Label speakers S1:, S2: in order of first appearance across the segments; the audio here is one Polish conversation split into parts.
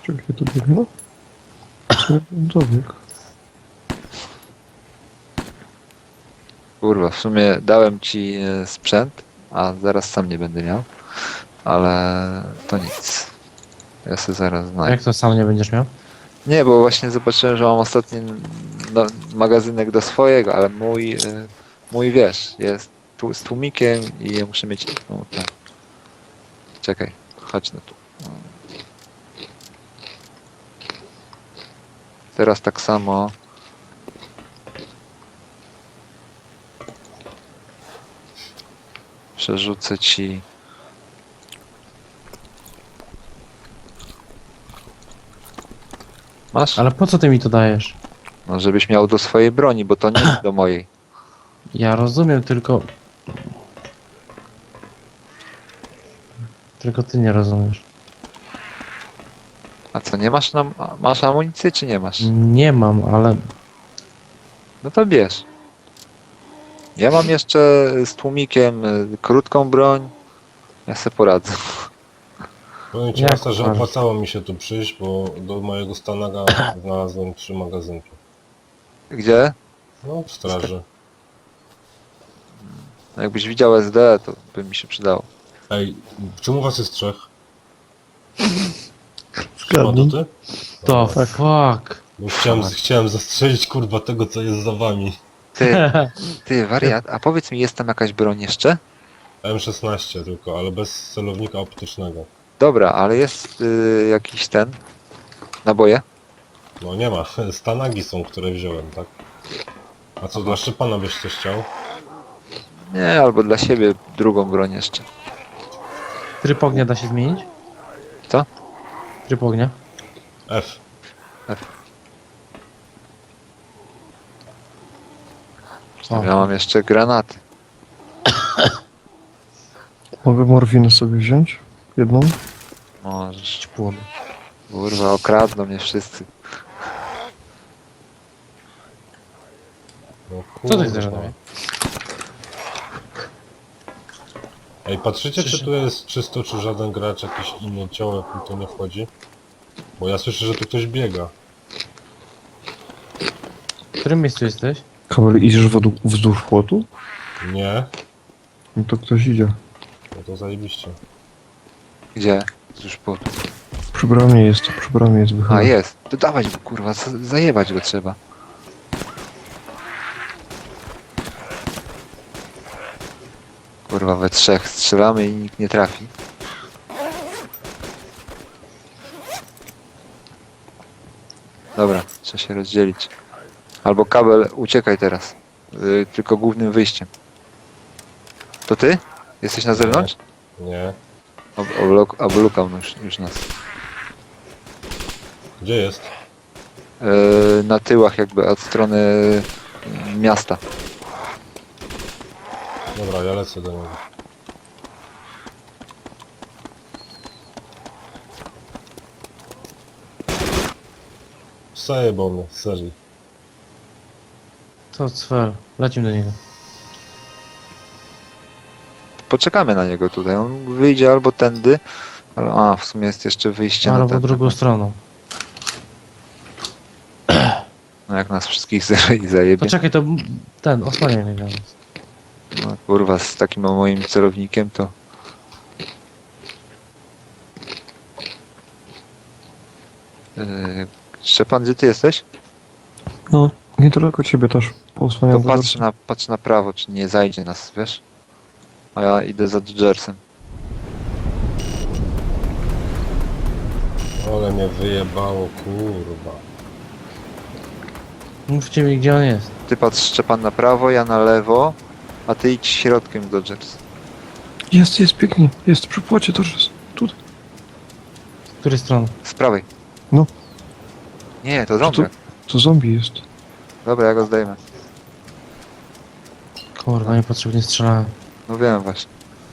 S1: Czekaj, to biegną? Dobieg.
S2: Kurwa, w sumie dałem ci sprzęt, a zaraz sam nie będę miał. Ale to nic. Ja sobie zaraz znajdę.
S3: Jak to sam nie będziesz miał?
S2: Nie, bo właśnie zobaczyłem, że mam ostatni magazynek do swojego, ale mój wiesz, jest tu z tłumikiem i ja muszę mieć. No, tak. Czekaj, chodź no tu. Teraz tak samo. Przerzucę ci. Masz?
S3: Ale po co ty mi to dajesz?
S2: No, żebyś miał do swojej broni, bo to nie jest do mojej.
S3: Ja rozumiem, tylko... Tylko ty nie rozumiesz.
S2: A co, nie masz masz amunicję, czy nie masz?
S3: Nie mam, ale...
S2: No to bierz. Ja mam jeszcze z tłumikiem krótką broń. Ja se poradzę.
S4: Powiem ci,
S3: Jak
S4: Masa, że
S3: uważasz?
S4: opłacało mi się tu przyjść, bo do mojego stanaga znalazłem 3 magazynki.
S2: Gdzie?
S4: No, w straży.
S2: No jakbyś widział SD, to by mi się przydało.
S4: Ej, czemu was jest 3?
S1: Zgadnij.
S4: To ty?
S3: To
S1: Tak.
S3: fuck.
S4: Bo chciałem zastrzelić kurwa tego, co jest za wami.
S2: Ty wariat, a powiedz mi, jest tam jakaś broń jeszcze?
S4: M16 tylko, ale bez celownika optycznego.
S2: Dobra, ale jest jakiś ten. Naboje?
S4: No nie ma, stanagi są, które wziąłem, tak? A co, dla Szczepana byś coś chciał?
S2: Nie, albo dla siebie drugą broń jeszcze.
S3: Tryb ognia da się zmienić?
S2: Co?
S3: Tryb ognia?
S4: F.
S3: O.
S2: Ja mam jeszcze granaty.
S1: Mogę morfinę sobie wziąć? Jedną?
S2: Możesz.
S3: Płon.
S2: Kurwa, okradną mnie wszyscy.
S4: No,
S3: Co ty
S4: kurwa.
S3: chcesz ode mnie?
S4: Ej, patrzycie, czy tu jest czysto, czy żaden gracz, jakiś inny ciołek mi tu nie wchodzi? Bo ja słyszę, że tu ktoś biega.
S3: W którym miejscu jesteś?
S1: Kabel, idziesz wzdłuż płotu?
S4: Nie?
S1: No to ktoś idzie.
S4: No to zajebiście.
S2: Gdzie? Już po.
S1: Przy bramie jest
S2: A
S1: wychylony.
S2: jest. To dawać go, kurwa, zajebać go trzeba. Kurwa, we trzech strzelamy i nikt nie trafi. Dobra, trzeba się rozdzielić. Albo kabel, uciekaj teraz. Tylko głównym wyjściem. To ty? Jesteś na zewnątrz?
S4: Nie.
S2: Oblukał już nas.
S4: Gdzie jest?
S2: Na tyłach jakby od strony miasta.
S4: Dobra, ja lecę do niego. Zajebał mnie, serii.
S3: To cwer. Lecimy do niego.
S2: Poczekamy na niego tutaj. On wyjdzie albo tędy, ale w sumie jest jeszcze wyjście na
S3: Albo
S2: ten.
S3: drugą stroną.
S2: No jak nas wszystkich zajebie.
S3: Poczekaj, to ten, osłaniaj mnie teraz.
S2: No, kurwa, z takim moim celownikiem to... Szczepan, gdzie ty jesteś?
S1: No, niedaleko ciebie też.
S2: To
S1: Pousłaniam
S2: patrz na prawo, czy nie zajdzie nas, wiesz? A ja idę za Dodgersem.
S4: Ale mnie wyjebało, kurwa.
S3: Mówcie mi, gdzie on jest.
S2: Ty patrz, Szczepan, na prawo, ja na lewo, a ty idź środkiem Dodgers.
S1: Jest, pięknie. Jest, przy płocie to jest. Tutaj.
S3: Z której strony?
S2: Z prawej.
S1: No.
S2: Nie, to zombie.
S1: To zombie jest.
S2: Dobra, ja go zdejmę.
S3: Kurwa, niepotrzebnie strzelałem.
S2: No wiem właśnie.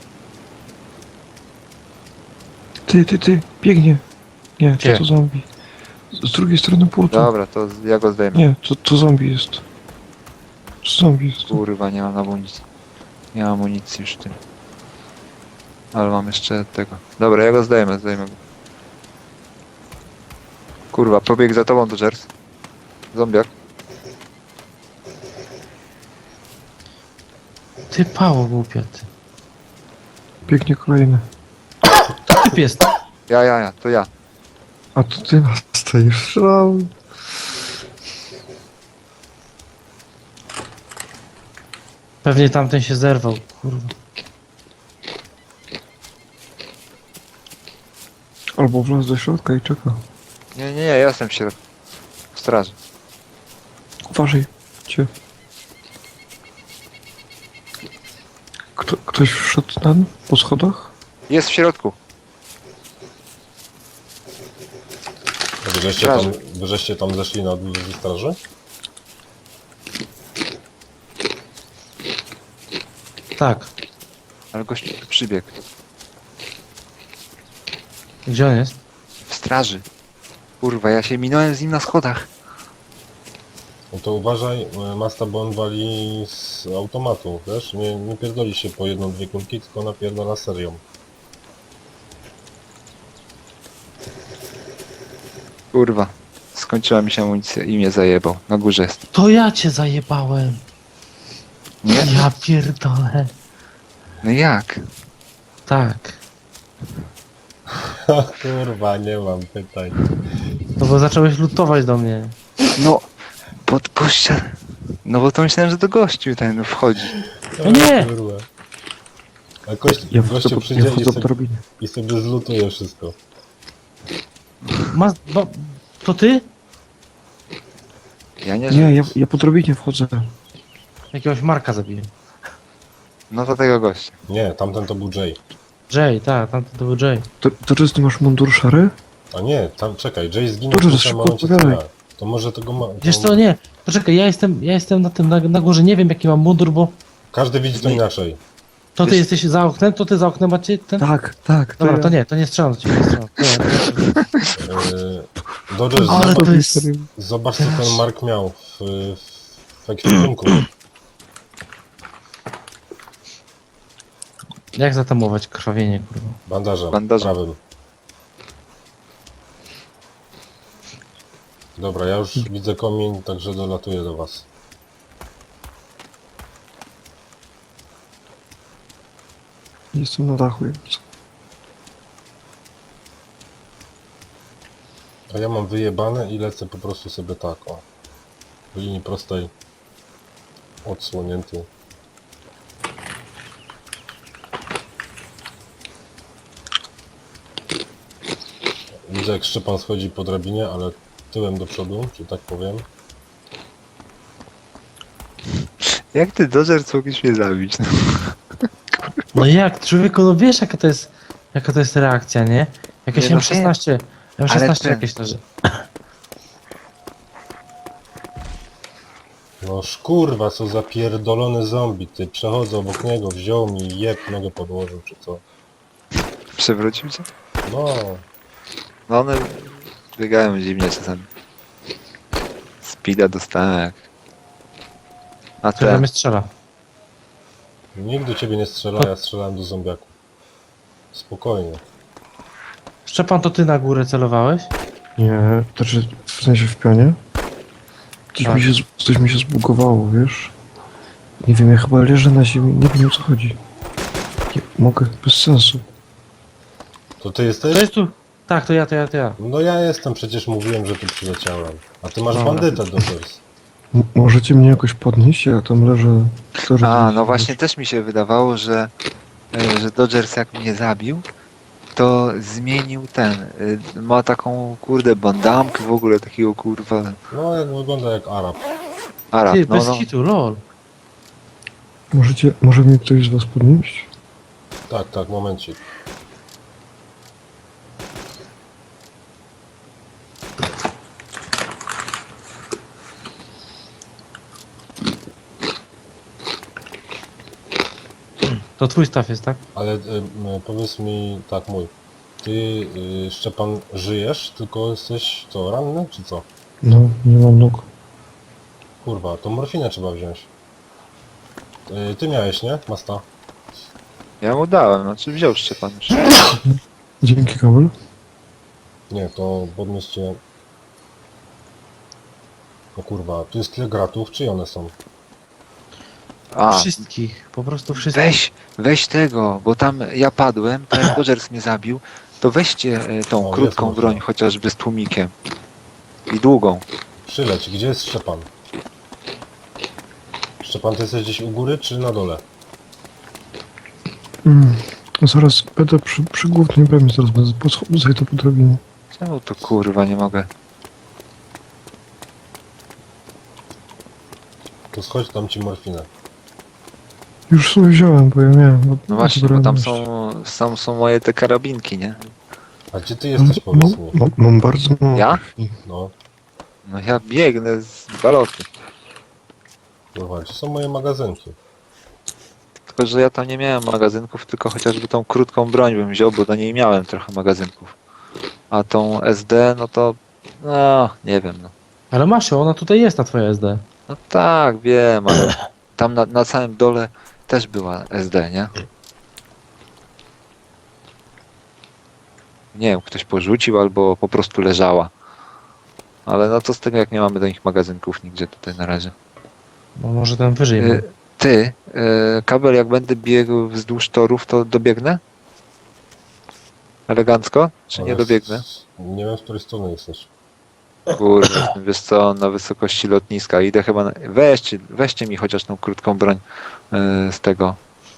S1: Ty, biegnie. Nie,
S3: Gdzie?
S1: to zombie. Z drugiej strony płotu.
S2: Dobra, to ja go zdejmę.
S1: Nie, to zombie jest. To zombie jest.
S2: Kurwa, nie mam amunicji. Nie mam amunicji już w tym. Ale mam jeszcze tego. Dobra, ja go zdejmę go. Kurwa, pobiegł za tobą Dodgers. Zombiak.
S3: Ty pało głupia, ty.
S1: Biegnie kolejny.
S3: To typ jest.
S2: Ja, to ja.
S1: A to ty nas stoisz. Strzelałem.
S3: Pewnie tamten się zerwał, kurwa.
S1: Albo wlazł do środka i czeka.
S2: Nie, ja jestem w środku. W straży.
S1: Uważaj. Cię. Ktoś wszedł tam po schodach?
S2: Jest w środku.
S4: Wyżeście tam zeszli na dół ze straży?
S3: Tak.
S2: Ale gość tu przybiegł.
S3: Gdzie on jest?
S2: W straży. Kurwa, ja się minąłem z nim na schodach.
S4: No to uważaj, Masta, bo on wali z automatu, wiesz? Nie pierdoli się po jedną, dwie kulki, tylko napierdala serią.
S2: Kurwa. Skończyła mi się amunicja i mnie zajebał. Na górze jest.
S3: To ja cię zajebałem.
S2: Nie?
S3: Ja pierdolę.
S2: No jak?
S3: Tak.
S4: Kurwa, nie mam pytań.
S3: No bo zacząłeś lutować do mnie.
S2: No, pod gościa. No bo to myślałem, że do gościu ten wchodzi.
S3: No nie!
S4: Kurwa. A
S1: Ja
S4: gościu
S1: wchodzę
S4: przyjdzie
S1: po drabinie.
S4: i sobie zlutuje wszystko.
S3: No, to ty?
S2: Ja nie,
S1: Nie, ja po drabinie wchodzę.
S3: Jakiegoś Marka zabiłem.
S2: No to tego gościa.
S4: Nie, tamten to był Jay.
S3: Jay, tak, tamten to był Jay.
S1: To czy ty masz mundur szary?
S4: A nie, tam czekaj, Jay zginął
S1: Dobrze,
S4: w tym
S1: szybko
S4: samym momencie co
S1: odpowiadaj.
S4: ja. To może tego ma...
S3: Wiesz co, nie. Poczekaj, ja jestem na tym, na górze, nie wiem jaki mam mundur, bo
S4: Każdy widzi to inaczej.
S3: to ty
S2: Wiesz-
S3: jesteś za oknem, to ty za oknem macie ten?
S1: Tak, tak.
S3: Dobra,
S1: ja.
S3: to nie strzelam do ciebie, nie strzelam.
S4: Dodgers,
S3: Ale to jest...
S4: zobacz co ten Mark miał w ekwipunku.
S3: Jak zatamować krwawienie, kurwa?
S4: Bandażem,
S2: Bandażem.
S4: prawym. Dobra, ja już widzę komin, także dolatuję do was.
S1: Jestem na dachu.
S4: A ja mam wyjebane i lecę po prostu sobie tak, o. W linii prostej. Odsłonięty. Widzę jak Szczepan schodzi po drabinie, ale tyłem do przodu, że tak powiem.
S2: Jak ty Dodgers mógłbyś mnie zabić? No.
S3: No jak, człowieku, no wiesz jaka to jest reakcja, nie? Jakieś
S2: Nie, no
S3: M16,
S2: Ale
S3: M16
S2: ten-
S3: jakieś leży.
S4: No kurwa, co za pierdolony zombie, ty. Przechodzę obok niego, wziął mi i jeb nogę podłożył, czy co.
S2: Przewrócił cię?
S4: No,
S2: No one biegają dziwnie czasami. Speeda dostałem jak... A
S3: Który
S2: ten...
S3: mnie strzela.
S4: nikt do ciebie nie strzela, ja strzelałem do zombiaku. Spokojnie.
S3: Szczepan, to ty na górę celowałeś?
S1: Nie, to czy w sensie w pionie?
S3: Tak.
S1: Coś mi się zbugowało, wiesz? Nie wiem, ja chyba leżę na ziemi, nie wiem o co chodzi. Nie mogę, bez sensu.
S4: To ty jesteś?
S3: To jest tu... Tak, to ja.
S4: No ja jestem, przecież mówiłem, że tu przyleciałem. A ty masz
S3: Dobra.
S4: bandytę, Dodgers.
S1: Możecie mnie jakoś podnieść? Ja tam leżę...
S2: A, no właśnie też mi się wydawało, że Dodgers jak mnie zabił, to zmienił ten, ma taką kurde bandamkę w ogóle takiego kurwa
S4: No jak wygląda jak Arab.
S2: Arab,
S3: Ty,
S2: no
S3: bez
S2: no.
S3: hitu, lol.
S1: Może mnie ktoś z was podnieść?
S4: Tak, momencik.
S3: To twój staw jest, tak?
S4: Ale powiedz mi, tak mój. Ty, Szczepan, żyjesz, tylko jesteś co, ranny, czy co?
S1: No, nie mam nóg.
S4: Kurwa, to morfinę trzeba wziąć. Ty miałeś, nie? Masta.
S2: Ja mu dałem, znaczy wziął Szczepan już.
S1: Dzięki, Kabel.
S4: Nie, to podnieście No kurwa, tu jest tyle gratów, czy one są?
S2: A,
S3: Wszystkich, po prostu wszystkich.
S2: weź tego, bo tam ja padłem, to jak Dodgers mnie zabił, to weźcie tą
S4: O,
S2: krótką
S4: jest
S2: broń,
S4: można.
S2: chociażby z tłumikiem. I długą.
S4: Przyleć, gdzie jest Szczepan? Szczepan, ty jesteś gdzieś u góry, czy na dole?
S1: Zaraz będę przy głównej bramie, zaraz będę zejdę po drabinie.
S2: Czemu to kurwa nie mogę?
S4: To schodź, dam ci morfinę.
S1: Już sobie wziąłem, bo ja miałem.
S2: No właśnie, bo
S1: odebrałem
S2: tam
S1: jeszcze.
S2: są moje te karabinki, nie?
S4: A gdzie ty jesteś, powiedz mi?
S1: Mam bardzo mało.
S2: Ja?
S4: No,
S2: No ja biegnę z baloty.
S4: kurwa, gdzie są moje magazynki?
S2: Tylko, że ja tam nie miałem magazynków, tylko chociażby tą krótką broń bym wziął, bo do niej miałem trochę magazynków. A tą SD, no to... No, nie wiem, no.
S3: Ale masz ją, ona tutaj jest na twoje SD.
S2: No tak, wiem, ale tam na samym dole też była SD, nie? Nie wiem, ktoś porzucił albo po prostu leżała. Ale no to z tego, jak nie mamy do nich magazynków nigdzie tutaj na razie.
S3: Bo może ten wyżej był.
S2: Ty, kabel, jak będę biegł wzdłuż torów, to dobiegnę? Elegancko? Czy nie
S4: Ale
S2: dobiegnę?
S4: Nie wiem, z której strony jesteś.
S2: Kurde, wiesz co, na wysokości lotniska. Idę chyba weźcie mi chociaż tą krótką broń z tego.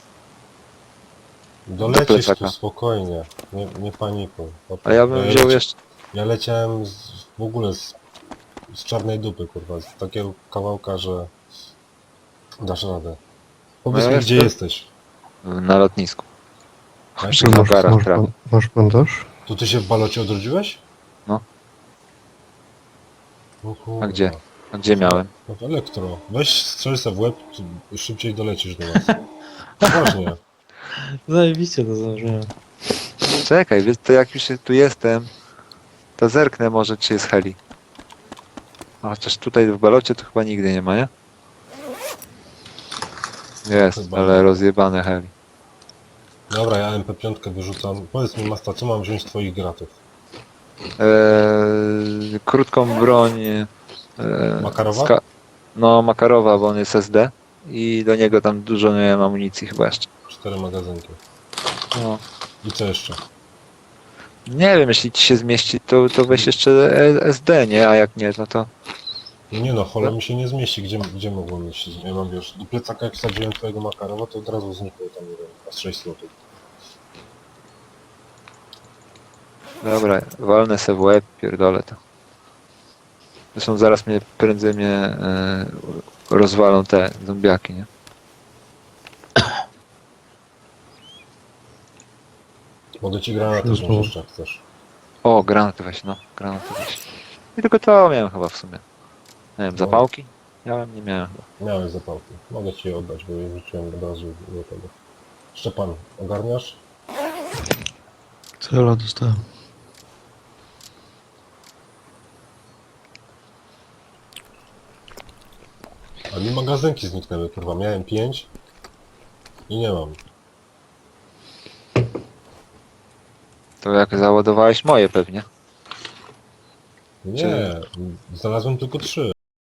S4: Dolecisz
S2: plecaka.
S4: tu spokojnie, nie panikuj.
S2: A ja bym wziął jeszcze...
S4: Ja leciałem w ogóle z czarnej dupy, kurwa, z takiego kawałka, że dasz radę. Powiedz
S2: No
S4: mi,
S2: ja
S4: gdzie
S2: jestem-
S4: jesteś.
S2: na lotnisku.
S4: Tak?
S2: Przy hangarach trafię.
S1: Masz bandaż?
S4: To ty się w balocie odrodziłeś?
S2: No.
S4: O kurwa.
S2: A gdzie? A gdzie miałem?
S4: No w elektro. Weź strzel se w łeb, szybciej dolecisz do nas. Poważnie.
S3: Zajebiście to zdążyłem.
S2: Czekaj, wiesz, to jak już tu jestem, to zerknę może, czy jest heli. A chociaż tutaj w balocie to chyba nigdy nie ma, nie? Jest,
S4: Chyba
S2: ale
S4: nie.
S2: rozjebane heli.
S4: Dobra, ja MP5 wyrzucam. Powiedz mi, Masta, co mam wziąć z twoich gratów?
S2: Krótką broń...
S4: Makarowa?
S2: No, Makarowa, bo on jest SD. I do niego tam dużo nie miałem amunicji chyba jeszcze.
S4: 4 magazynki.
S2: No.
S4: I co jeszcze?
S2: Nie wiem, jeśli ci się zmieści, to weź jeszcze SD, nie? A jak nie, no to...
S4: Nie no, hola mi się nie zmieści. Gdzie mogło mieć? Ja mam, wiesz, do plecaka jak wsadziłem twojego Makarowa, to od razu znikło tam, nie wiem, z 6 złotych.
S2: Dobra, walnę se w łeb, pierdolę to. Zresztą zaraz prędzej mnie rozwalą te zombiaki, nie?
S4: Mogę ci granaty
S1: Wszystko.
S4: wziąć jeszcze, jak chcesz.
S2: O, granaty weź, no, granaty weź. I tylko to miałem chyba w sumie. Nie wiem, zapałki? Miałem, nie miałem chyba.
S4: Miałeś zapałki. Mogę ci je oddać, bo je rzuciłem od razu do tego. Szczepan, ogarniasz?
S1: Cela dostałem.
S4: A mi magazynki zniknęły, kurwa. Miałem 5 i nie mam.
S2: To jak załadowałeś moje pewnie.
S4: Nie, znalazłem tylko 3.